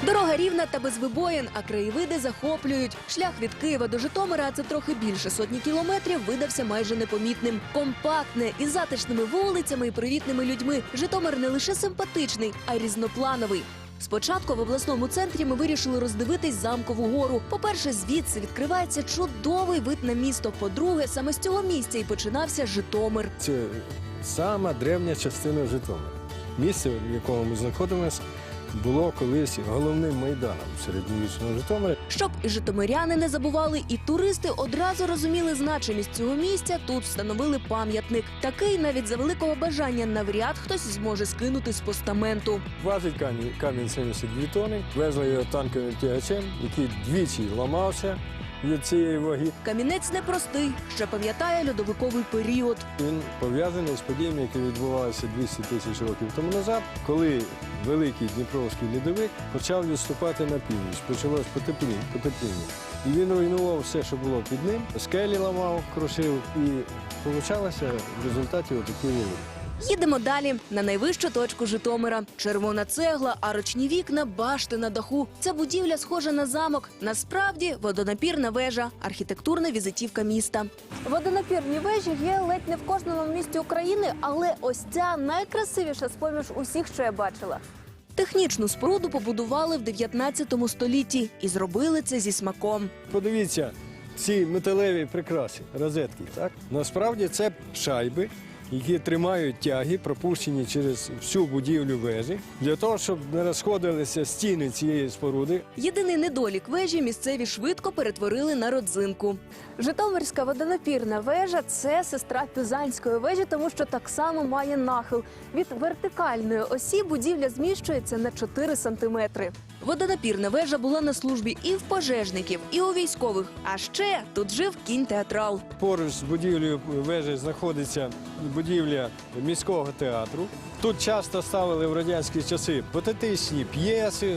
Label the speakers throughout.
Speaker 1: Дорога рівна та без вибоїн, а краєвиди захоплюють. Шлях від Києва до Житомира, а це трохи більше сотні кілометрів, видався майже непомітним. Компактне, із затишними вулицями і привітними людьми. Житомир не лише симпатичний, а й різноплановий. Спочатку в обласному центрі ми вирішили роздивитись Замкову гору. По-перше, звідси відкривається чудовий вид на місто. По-друге, саме з цього місця і починався Житомир.
Speaker 2: Це сама древня частина Житомира. Місце, в якому ми знаходимося, було колись головним майданом середньовічного Житомира.
Speaker 1: Щоб і житомиряни не забували, і туристи одразу розуміли значимість цього місця, тут встановили пам'ятник. Такий навіть за великого бажання навряд хтось зможе скинути з постаменту.
Speaker 2: Важить камінь 72 тонни, везли його танковим тягачем, який двічі ламався від цієї ваги.
Speaker 1: Камінець непростий, ще пам'ятає льодовиковий період.
Speaker 2: Він пов'язаний з подіями, які відбувалися 200 тисяч років тому назад, коли великий Дніпровський льодовик почав відступати на північ. Почалось потепління. І він руйнував все, що було під ним, скелі ламав, крушив, і получалося в результаті отакі вулиці.
Speaker 1: Їдемо далі, на найвищу точку Житомира. Червона цегла, арочні вікна, башти на даху. Ця будівля схожа на замок. Насправді водонапірна вежа, архітектурна візитівка міста. Водонапірні вежі є ледь не в кожному місті України, але ось ця найкрасивіша з-поміж усіх, що я бачила. Технічну споруду побудували в 19 столітті і зробили це зі смаком.
Speaker 2: Подивіться, ці металеві прикраси, розетки, так? Насправді це шайби, які тримають тяги, пропущені через всю будівлю вежі, для того, щоб не розходилися стіни цієї споруди.
Speaker 1: Єдиний недолік вежі місцеві швидко перетворили на родзинку. Житомирська водонапірна вежа – це сестра Пюзанської вежі, тому що так само має нахил. Від вертикальної осі будівля зміщується на 4 сантиметри. Водонапірна вежа була на службі і в пожежників, і у військових. А ще тут жив кінь-театрал.
Speaker 2: Поруч з будівлею вежі знаходиться будівля міського театру. Тут часто ставили в радянські часи патетичні п'єси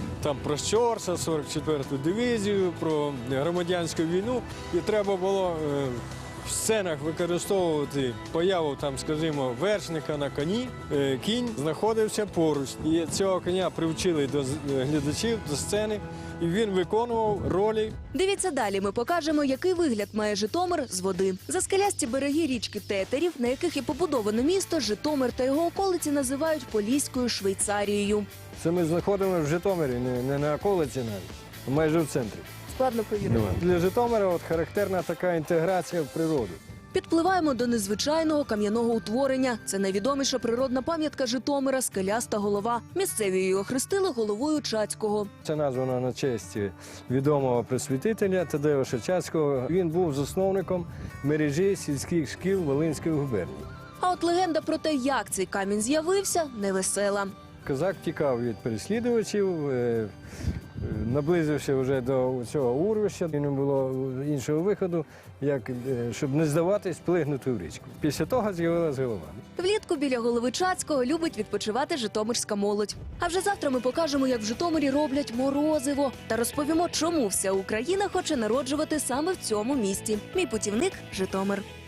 Speaker 2: про Щорса, 44-ту дивізію, про громадянську війну. І треба було в сценах використовувати появу, скажімо, вершника на коні. Кінь знаходився поруч. І цього коня привчили до глядачів, до сцени. І він виконував ролі.
Speaker 1: Дивіться далі, ми покажемо, який вигляд має Житомир з води. Заскелясті береги річки Тетерів, на яких і побудовано місто, Житомир та його околиці називають Поліською Швейцарією.
Speaker 2: Це ми знаходимося в Житомирі, не на околиці навіть, а майже в центрі.
Speaker 1: Складно повірити.
Speaker 2: Для Житомира характерна така інтеграція в природу.
Speaker 1: Підпливаємо до незвичайного кам'яного утворення. Це найвідоміша природна пам'ятка Житомира – Скеляста голова. Місцеві її охрестили головою Чацького.
Speaker 2: Це названо на честь відомого просвітителя Тадеуша Чацького. Він був засновником мережі сільських шкіл Волинської губернії.
Speaker 1: А от легенда про те, як цей камінь з'явився, невесела.
Speaker 2: Козак тікав від переслідувачів, наблизився вже до цього урвища. І не було іншого виходу, як, щоб не здаватись, плигнути в річку. Після того з'явилась голова.
Speaker 1: Влітку біля голови Чацького любить відпочивати житомирська молодь. А вже завтра ми покажемо, як в Житомирі роблять морозиво. Та розповімо, чому вся Україна хоче народжувати саме в цьому місті. Мій путівник – Житомир.